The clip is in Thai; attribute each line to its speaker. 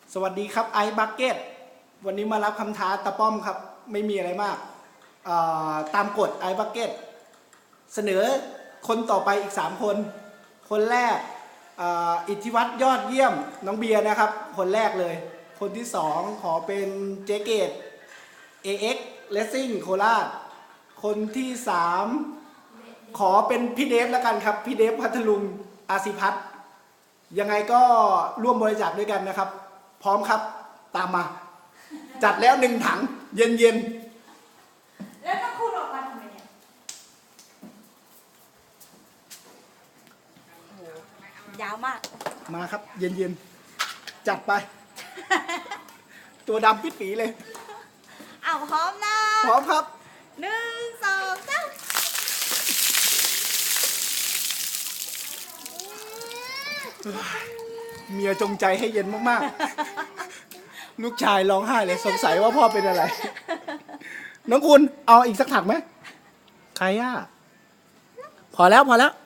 Speaker 1: สวัสดีครับไอซ์บักเก็ตวันนี้มารับคำท้าตะป้อมครับไม่มีอะไรมากตามกฎไอซ์บักเก็ตเสนอคนต่อไปอีก3คนคนแรกอิทธิวัฒน์ยอดเยี่ยมน้องเบียร์นะครับคนแรกเลยคนที่2ขอเป็นเจเกต AX Racing โคราชคนที่3ขอเป็นพี่เดฟแล้วกันครับพี่เดฟพัทลุงอาศิพัฒน์ยังไงก็ร่วมบริจาคด้วยกันนะครับพร้อมครับตามมาจัดแล้ว1 ถังเย็น
Speaker 2: ๆแล้วถ้าคุณออกมาทำไมเนี่ยยาวมาก
Speaker 1: มาครับเย็นจัดไป ตัวดำปิดปีเลย
Speaker 2: เอาพร้อมนะ
Speaker 1: พร้อมครับ
Speaker 2: 1 2 3
Speaker 1: เมียจงใจให้เย็นมากๆลูกชายร้องไห้เลยสงสัยว่าพ่อเป็นอะไรน้องคุณเอาอีกสักถังไหมใครอ่ะพอแล้ว